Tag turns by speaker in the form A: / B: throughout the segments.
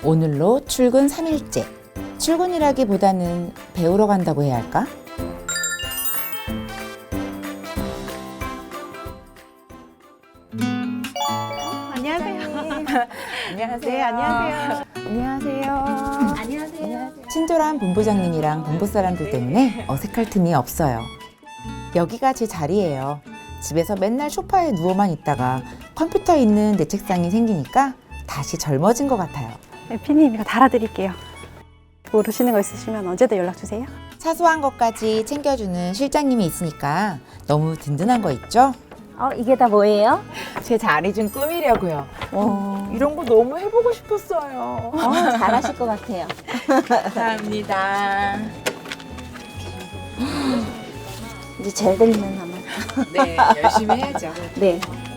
A: 오늘로 출근 3일째. 출근이라기보다는 배우러 간다고 해야 할까?
B: 안녕하세요.
A: 안녕하세요.
B: 네, 안녕하세요.
A: 안녕하세요.
B: 안녕하세요.
A: 친절한 본부장님이랑 본부 사람들 때문에 어색할 틈이 없어요. 여기가 제 자리예요. 집에서 맨날 소파에 누워만 있다가 컴퓨터 있는 내 책상이 생기니까 다시 젊어진 것 같아요.
B: 네, 피디님 이거 달아드릴게요. 모르시는 거 있으시면 언제든 연락 주세요.
A: 사소한 것까지 챙겨주는 실장님이 있으니까 너무 든든한 거 있죠?
C: 이게 다 뭐예요?
A: 제 자리 좀 꾸미려고요. 이런 거 너무 해보고 싶었어요.
C: 잘하실 것 같아요.
A: 감사합니다.
C: 이제 잘 되면 아마.
A: 네, 열심히 해야죠.
C: 네.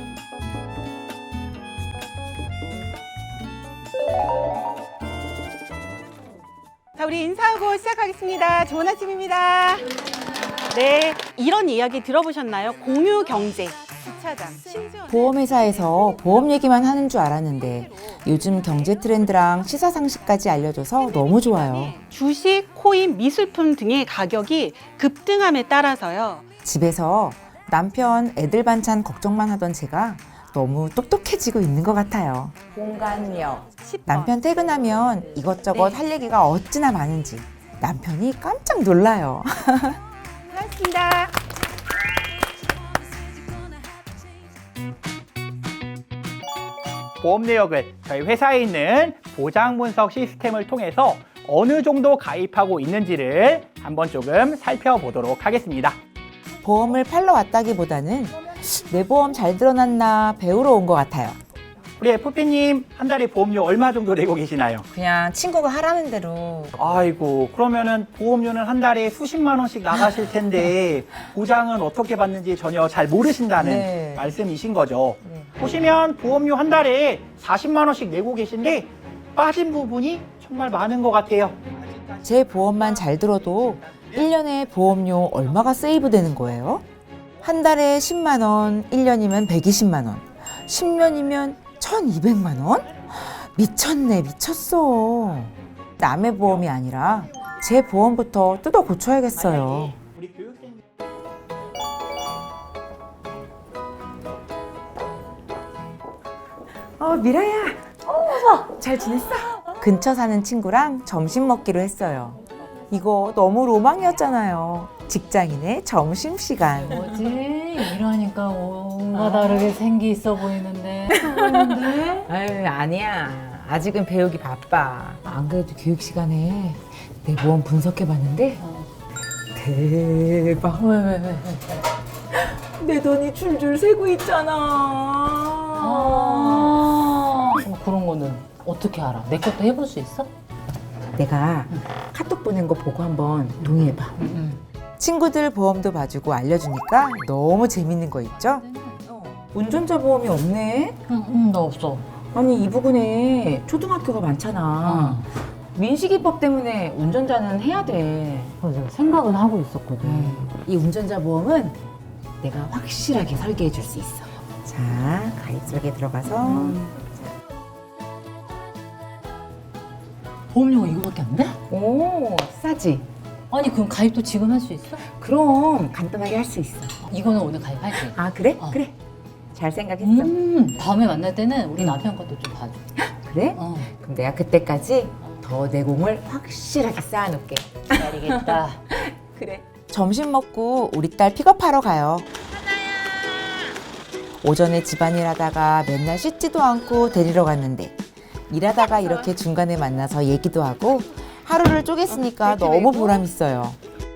B: 자, 우리 인사하고 시작하겠습니다. 좋은 아침입니다. 네, 이런 이야기 들어보셨나요? 공유 경제. 주차장.
A: 보험회사에서 보험 얘기만 하는 줄 알았는데 요즘 경제 트렌드랑 시사 상식까지 알려줘서 너무 좋아요.
B: 주식, 코인, 미술품 등의 가격이 급등함에 따라서요.
A: 집에서 남편 애들 반찬 걱정만 하던 제가 너무 똑똑해지고 있는 것 같아요. 공간력.
B: 10번.
A: 남편 퇴근하면 이것저것 할 얘기가 어찌나 많은지 남편이 깜짝 놀라요.
B: 고맙습니다.
D: 보험 내역을 저희 회사에 있는 보장 분석 시스템을 통해서 어느 정도 가입하고 있는지를 한번 조금 살펴보도록 하겠습니다.
A: 보험을 팔러 왔다기보다는 내 보험 잘 들어놨나 배우러 온 것 같아요.
D: 우리 FP님 한 달에 보험료 얼마 정도 내고 계시나요?
A: 그냥 친구가 하라는 대로.
D: 아이고, 그러면은 보험료는 한 달에 수십만 원씩 나가실 텐데 보장은 어떻게 받는지 전혀 잘 모르신다는
A: 네.
D: 말씀이신 거죠.
A: 네.
D: 보시면 보험료 한 달에 40만 원씩 내고 계신데 빠진 부분이 정말 많은 것 같아요.
A: 제 보험만 잘 들어도 1년에 보험료 얼마가 세이브 되는 거예요? 한 달에 10만 원, 1년이면 120만 원, 10년이면 1,200만 원? 미쳤네, 미쳤어. 남의 보험이 아니라 제 보험부터 뜯어 고쳐야겠어요.
D: 우리 교육생
A: 미라야. 잘 지냈어? 근처 사는 친구랑 점심 먹기로 했어요. 이거 너무 로망이었잖아요. 직장인의 점심시간.
E: 뭐지? 이러니까 뭔가 다르게 생기 있어 보이는데. 보이는데?
A: 아유, 아니야. 아직은 배우기 바빠. 안 그래도 교육 시간에 내 보험 분석해봤는데 대박.
E: 왜?
A: 내 돈이 줄줄 새고 있잖아.
E: 그런 거는 어떻게 알아? 내 것도 해볼 수 있어?
A: 내가 카톡 보낸 거 보고 한번 동의해봐. 친구들 보험도 봐주고 알려주니까 너무 재밌는 거 있죠? 운전자 보험이 없네?
E: 응, 나 없어.
A: 아니, 이 부근에 초등학교가 많잖아. 민식이법 때문에 운전자는 해야 돼.
E: 그래서 생각은 하고 있었거든.
A: 이 운전자 보험은 내가 확실하게 설계해 줄 수 있어. 자, 가입 설계 들어가서
E: 보험료가 이거밖에 안 돼?
A: 오, 싸지?
E: 아니 그럼 가입도 지금 할 수 있어?
A: 그럼 간단하게 할 수 있어.
E: 이거는 오늘 가입할게.
A: 아, 그래?
E: 어.
A: 그래. 잘 생각했어.
E: 다음에 만날 때는 우리 남편 것도 좀 봐줘.
A: 그래?
E: 어,
A: 그럼 내가 그때까지 더 내공을 확실하게 쌓아놓을게.
E: 기다리겠다.
A: 그래. 점심 먹고 우리 딸 픽업하러 가요. 오전에 집안일 하다가 맨날 씻지도 않고 데리러 갔는데 일하다가 이렇게 중간에 만나서 얘기도 하고 하루를 쪼갰으니까 너무 보람있어요.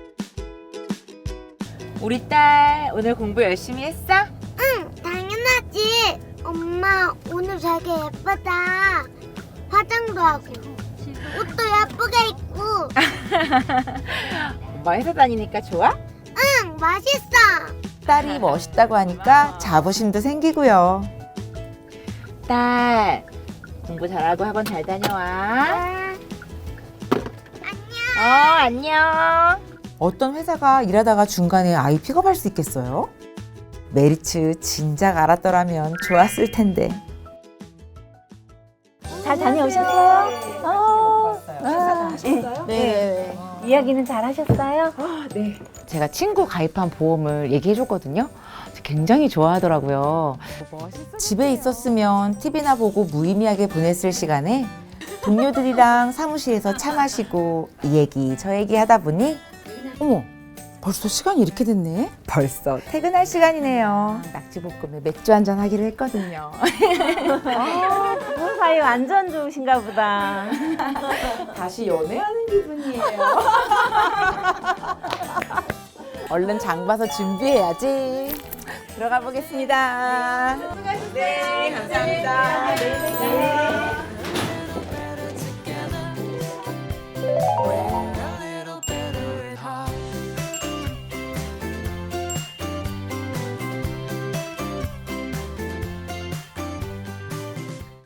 A: 우리 딸 오늘 공부 열심히 했어?
F: 응, 당연하지. 엄마, 오늘 되게 예쁘다. 화장도 하고, 옷도 예쁘게 입고.
A: 엄마 회사 다니니까 좋아?
F: 응, 맛있어.
A: 딸이 멋있다고 하니까 자부심도 생기고요. 딸, 공부 잘하고 학원 잘 다녀와. 안녕. 어떤 회사가 일하다가 중간에 아이 픽업할 수 있겠어요? 메리츠 진작 알았더라면 좋았을 텐데.
C: 잘 다녀오셨어요? 네. 이야기는 잘 하셨어요?
A: 제가 친구 가입한 보험을 얘기해줬거든요. 굉장히 좋아하더라고요. 집에 있었으면 TV나 보고 무의미하게 보냈을 시간에 동료들이랑 사무실에서 차 마시고 이 얘기 저 얘기 하다 보니 어머 벌써 시간이 이렇게 됐네. 벌써 퇴근할 시간이네요. 낙지볶음에 맥주 한잔 하기로 했거든요.
C: 부부 사이 완전 좋으신가 보다.
A: 다시 연애하는 기분이에요. 얼른 장 봐서 준비해야지. 들어가 보겠습니다. 네, 감사합니다. 네.